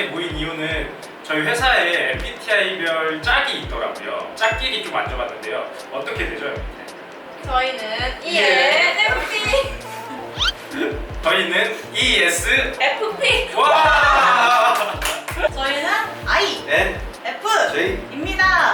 이렇게 모인 이유는 저희 회사에 MBTI별 짝이 있더라고요. 짝끼리 좀 앉아봤는데요. 어떻게 되죠, MBTI? 저희는 ENFP. 저희는 ESFP. FP. 와! 저희는 I. N, F. J. 입니다.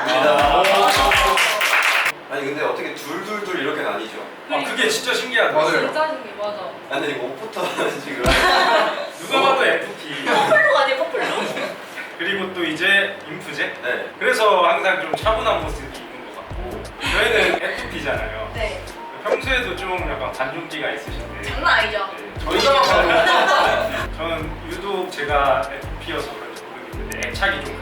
아니 근데 어떻게 둘둘둘 이렇게 나뉘죠? 아, 그게 진짜 신기하다. 맞아요. 진짜 신기 맞아. 아니 이거 옷부터 지금 누가 봐도 FP. 커플룩 아니에요 커플룩? 그리고 또 이제 인프제. 네. 그래서 항상 좀 차분한 모습이 있는 것 같고 저희는 FP잖아요. 네. 평소에도 좀 약간 관종기가 있으신데 장난 아니죠? 네, 저는 유독 제가 FP여서 그런지 모르겠는데 애착이 좀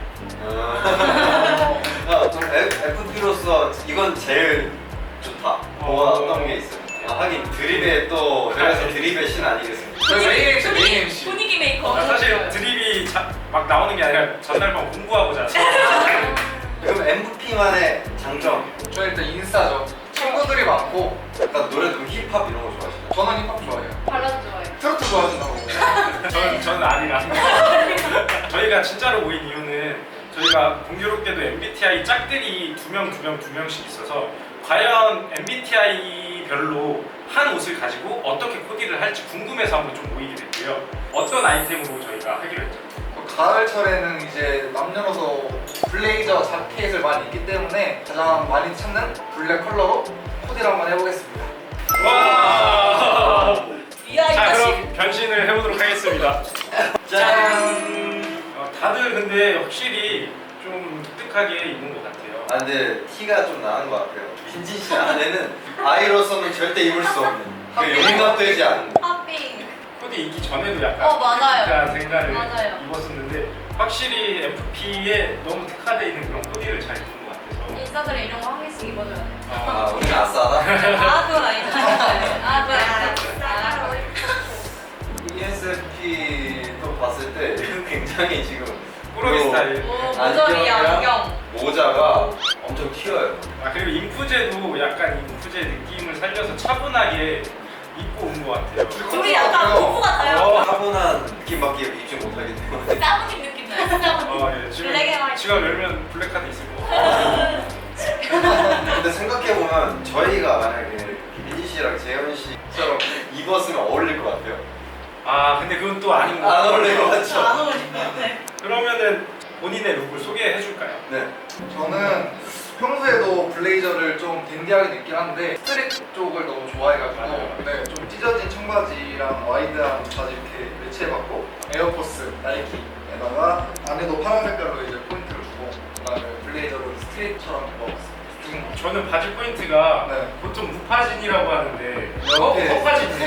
가더라고요. 좀 FP로서 이건 제일 좋다. 뭐가 어떤 게 있어요? 하긴 드립에 또 그래서 드립의 신 아니겠습니까? 저희 메인 MC, 메인 MC. 분위기 메이커. 사실 드립이 막 나오는 게 아니라 전날 밤 공부하고 자서 그럼 MVP만의 장점. 저 일단 인싸죠. 친구들이 많고 약간 노래 좀 힙합 이런 거 좋아하시나요? 저는 힙합 좋아해요. 발라드 좋아해요. 트로트 좋아하신다고. 저는 아니라 저희가 진짜로 모인 이유는 저희가 공교롭게도 MBTI 짝들이 두 명씩 있어서 과연 MBTI별로 한 옷을 가지고 어떻게 코디를 할지 궁금해서 한번 좀 모이게 됐고요. 어떤 아이템으로 저희가 하기로 했죠? 가을철에는 이제 남녀노소 블레이저 자켓을 많이 입기 때문에 가장 많이 찾는 블랙 컬러로 코디를 한번 해보겠습니다. 와! 이야 자, 이거 그럼 변신을 해보도록 하겠습니다. 짠! 다들 근데 확실히 좀 독특하게 입는 것 같아요. 아 근데 티가 좀 나는 것 같아요. 민진 씨 안에는 아이로서는 절대 입을 수 없는 그 용납되지 않는. 팝핑. 코디 입기 전에도 약간 맞아요. 독특한 생각을 맞아요. 입었었는데 확실히 FP에 너무 특화되어 있는 그런 코디를 잘 입는 것 같아서 인싸들은 이런 거 한 개씩 입어줘야 돼. 아 우리 아싸다. 아 그건 아니죠. 아 그건 아니죠. ESFP도 봤을 때 굉장히 지금 꾸러기 요 스타일. 모자리 안경. 모자가 엄청 튀어요. 아 그리고 인프제도 약간 인프제 느낌을 살려서 차분하게 입고 온 것 같아요. 우리 약간 오프 같아요. 차분한 느낌밖에 입지 못하기 때문에. 까무님 느낌 나요. 예, 지금 블랙 앤 화이트. 지갑 열면 블랙카드 있을 것 같아요. 근데 생각해보면 저희가 만약에 민지 씨랑 재현 씨처럼 입었으면 어울릴 것 같아요. 아 근데 그건 또 아닌 것 안 같아요. 어울릴 것 같죠? 안 어울릴 것 같아. 그러면은 본인의 룩을 소개해 줄까요? 네. 저는 평소에도 블레이저를 좀 댄디하게 입긴 한데 스트릿 쪽을 너무 좋아해가지고 맞아요. 네, 좀 찢어진 청바지랑 와이드한 바지 이렇게 매치해봤고 에어포스 나이키에다가 안에도 파란 색깔로 이제 포인트를 주고 그다음에 블레이저를 스트릿처럼 입어봤어요. 저는 바지 포인트가 네. 보통 무파진이라고 하는데 이렇게. 허파진이에요.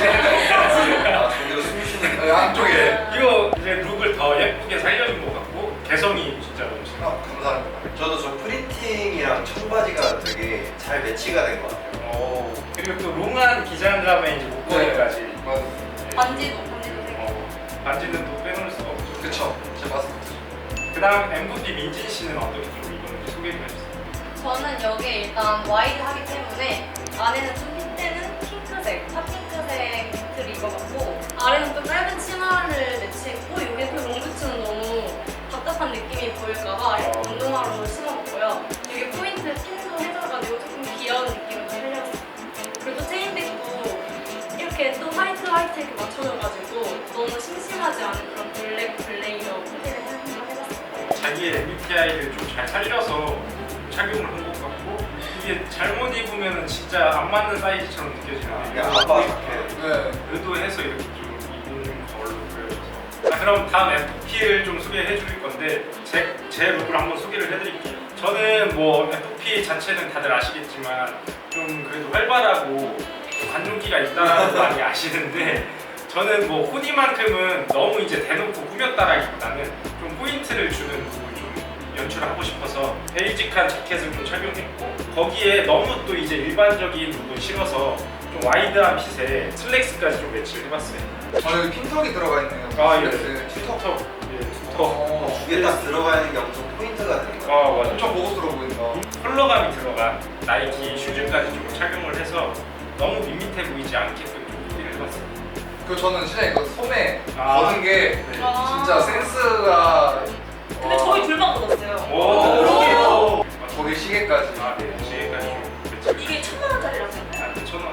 아, 저기로 숨 쉬는 네, 안쪽에 이거 이제 룩을 더 예쁘게 살려준 것 같고 개성이 진짜 넘치네요. 감사합니다. 저도 저 프리팅이랑 청바지가 되게 잘 매치가 된 것 같아요. 그리고 또 롱한 기장감에 이제 목걸이까지. 맞아요. 반지도 되고. 반지는 또 빼놓을 수가 없죠. 그쵸. 제 마스코트죠. 그다음 MVP 민진 씨는 어떻게 좀 입었는지 소개 좀 해주세요. 저는 여기에 일단 와이드 하기 때문에 안에는 좀 핏대는 핑크색, 핫핑크색 니트를 입어봤고 아래는 또 짧은 치마를 매치했고 여기에 그 롱부츠는 너무 답답한 느낌이 보일까봐 이렇게 운동화로 신어봤고요. 여기 포인트 핀도 해줘가지고 조금 귀여운 느낌을 살려봤어요. 그리고 체인백도 이렇게 또 화이트 이렇게 맞춰줘가지고 너무 심심하지 않은 그런 블랙 블레이저 코디를 한번 해봤어요. 자기의 MBTI를 좀 잘 살려서 착용을 한 것 같고 이게 잘못 입으면 진짜 안 맞는 사이즈처럼 느껴지는데 그냥 아빠 자켓. 네. 의도해서 이렇게 좀 입은 걸로 보여져서. 자, 그럼 다음 FP를 좀 소개해 드릴 건데 제 룩을 한번 소개를 해드릴게요. 저는 뭐 FP 자체는 다들 아시겠지만 좀 그래도 활발하고 관종기가 있다는 거 많이 아시는데 저는 뭐 코디만큼은 너무 이제 대놓고 꾸몄다라기보다는 좀 포인트를 주는 룩을 좀 연출하고 싶어서 베이직한 자켓을 좀 착용했고 거기에 너무 또 이제 일반적인 룩을 실어서 좀 와이드한 핏에 슬랙스까지 좀 매치를 해봤어요. 여기 핀턱이 들어가 있네요. 예, 네. 투턱, 예, 투턱. 어, 두개 딱 들어가 있는 게 엄청 포인트가 되는 것 같아요. 맞아. 엄청 고급스러워 보인다. 컬러감이 들어간 나이키 슈즈까지 좀 착용을 해서 너무 밋밋해 보이지 않게끔 좀 코디를 해봤어요. 그 저는 진짜 이거 소매 아. 거는 게 네. 진짜 센스가. 근데 와, 저희 둘만 걷었어요. 오. 거기 시계까지. 아, 네. 지금까지 좀 이게 1,000만 원짜리라서요? 아, 1,000원.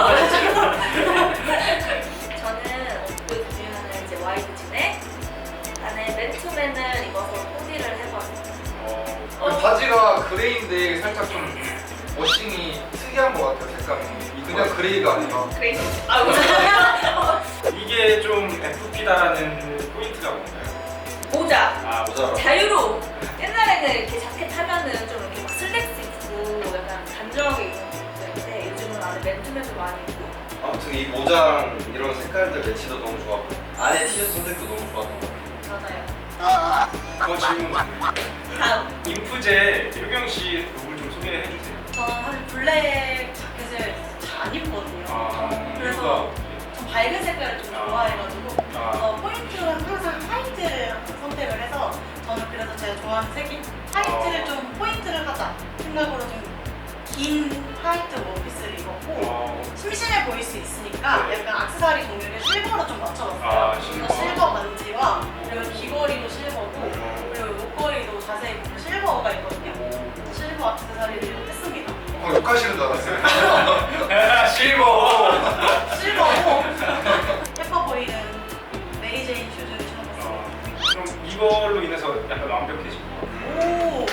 저는 옷 보시면은 이제 와이드 진에 안에 맨투맨을 입어서 코디를 해봤어요. 그 바지가 그레이인데 살짝 좀 워싱이 특이한 것 같아요, 색감이. 그냥 그레이가 아니라. 그레이스. 아, 감사합니다. 이게 좀 FP다라는 포인트가 뭔가요? 모자. 아, 모자. 자유로. 옛날에는 이렇게 자켓 하면은 좀 이렇게 막 슬랙스 입고 약간 단정하게 입는 분들인데 요즘은 안에 맨투맨도 많이 입고. 아무튼 이 모장 이런 색깔들 매치도 너무 좋았고 안에 티셔츠 선택도 너무 좋았던 것 같아요. 맞아요. 그거 질문 다음. 인프제 효경 씨 룩을 좀 소개해 주세요. 저는 사실 블랙 자켓을 잘 안 입거든요. 그래서 좀 밝은 색깔을 좀 아. 좋아해가지고 아. 포인트는 항상 화이트 선택을 해서 저는 그래서 제가 좋아하는 색이 화이트를 좀 포인트를 하자 생각으로 좀 긴 화이트 원피스를 입었고 심심해 보일 수 있으니까 네. 약간 액세서리 종류를 실버로 좀 맞춰봤어요. 아, 그래서 실버 반지와 그리고 귀걸이도 실버고 그리고 목걸이도 자세히 보면 실버가 있거든요. 실버 액세서리를 했습니다. 욕하시는 줄 알았어요. 실버. 실버고 예뻐 보이는 메리제인 슈즈를 신어봤어요. 그럼 이걸로 인해서 약간 완벽해진 것 같아요. 오!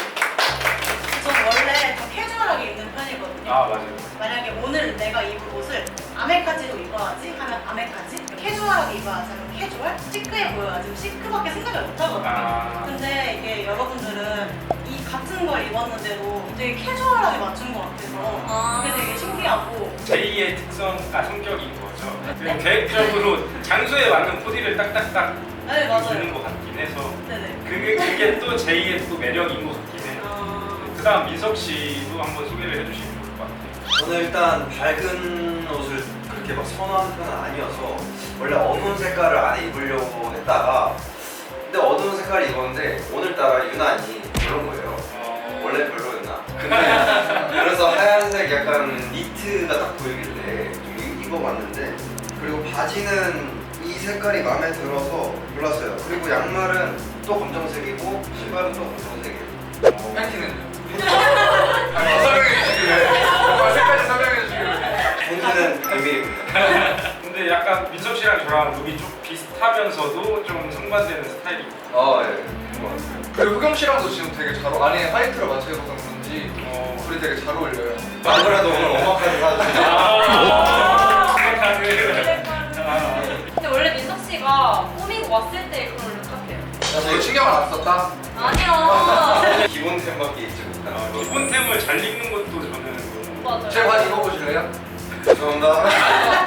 전 원래 더 캐주얼하게 입는 편이거든요. 아, 맞아요. 만약에 오늘 내가 입을 옷을 아메카지로 입어야지 하면 아메카지, 캐주얼하게 입어야지 하면 캐주얼, 시크해 보여야지 시크밖에 생각을 못 하거든요. 아. 근데 이게 여러분들은 이 같은 걸 입었는데도 되게 캐주얼하게 맞춘 것 같아서 아. 그게 되게 신기하고 제2의 특성과 성격인 거죠. 그리고 계획적으로 장소에 맞는 코디를 딱딱딱 네, 맞아요. 주는 것 같긴 해서 네네. 그게 또 제2의 또 매력인 것 같긴 해요. 그 다음 민석 씨도 한번 소개를 해주시면 좋을 것 같아요. 저는 일단 밝은 옷을 그렇게 막 선호하는 편은 아니어서 원래 어두운 색깔을 안에 입으려고 했다가 근데 어두운 색깔을 입었는데 오늘따라 유난히 별론 거예요. 원래 별로였나? 근데 그래서 하얀색 약간 니트가 딱 보이길래 좀 입어봤는데 그리고 바지는 이 색깔이 마음에 들어서 골랐어요. 그리고 양말은 또 검정색이고 신발은 또 검정색이에요. 팬티는요? 설명해 주시길래. 정말 색까지 설명해 주시길래. 팬티는 비밀입니다. 근데 약간 민석 씨랑 저랑 룩이 좀 비슷하면서도 좀 상반되는 스타일이고. 예. 좋은 것 같아요. 그리고 흑영 씨랑도 지금 되게 잘 안에 화이트를 맞춰 입어서 그런지 둘이 되게 잘 어울려요. 안 그래도 오늘 오마카세 사주세요. 근데 원래 민석 씨가 꾸미고 왔을 때 그런 룩 같아요. 이거 신경을 안 썼다? 아니요. 기본템밖에 입지 못하는 거. 기본템을 잘 입는 것도 저는 너무 맞아요. 제 바지 입어보실래요? 죄송합니다.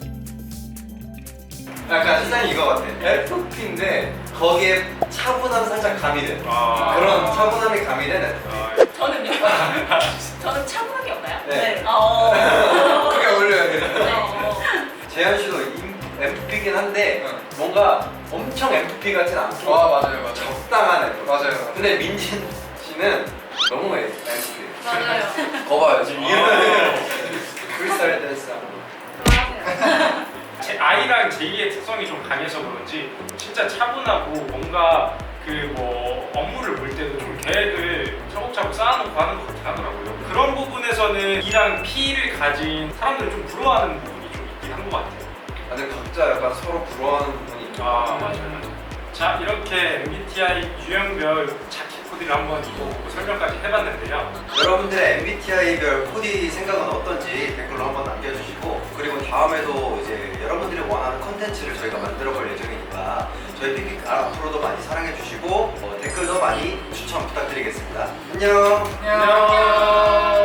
약간 시장이 이거 같아. FP인데 거기에 차분함 살짝 가미된 그런 차분함이 가미된 FP. 저는요? 저는 차분한 게 없나요? 네. 그게 어울려야 돼. 재현 씨도 MFP긴 한데 뭔가 엄청 MFP 같진 않고 아 맞아요 맞아요. 적당한 MFP. 맞아요. 근데 민진 씨는 너무 MFP. 맞아요. 거봐요 지금 이러면 불살 댄스. 그만하세요. 제 아이랑 제2의 특성이 좀 강해서 그런지 진짜 차분하고 뭔가 그 뭐 업무를 볼 때도 좀 계획을 차곡차곡 쌓아놓고 하는 것 같긴 하더라고요. 그런 부분에서는 E랑 P를 가진 사람들이 좀 부러워하는 부분이 좀 있긴 한 것 같아요. 근데 각자 약간 서로 부러워하는 부분이 있죠. 맞아요. 자, 이렇게 MBTI 유형별 자켓 코디를 한번 입어보고 설명까지 해봤는데요. 여러분들의 MBTI별 코디 생각은 어떤지 댓글로 한번 남겨주시고 그리고 다음에도 이제 여러분들이 원하는 컨텐츠를 저희가 만들어 볼 예정이니까 저희 픽픽 앞으로도 많이 사랑해 주시고 댓글도 많이 추천 부탁드리겠습니다. 안녕. 안녕.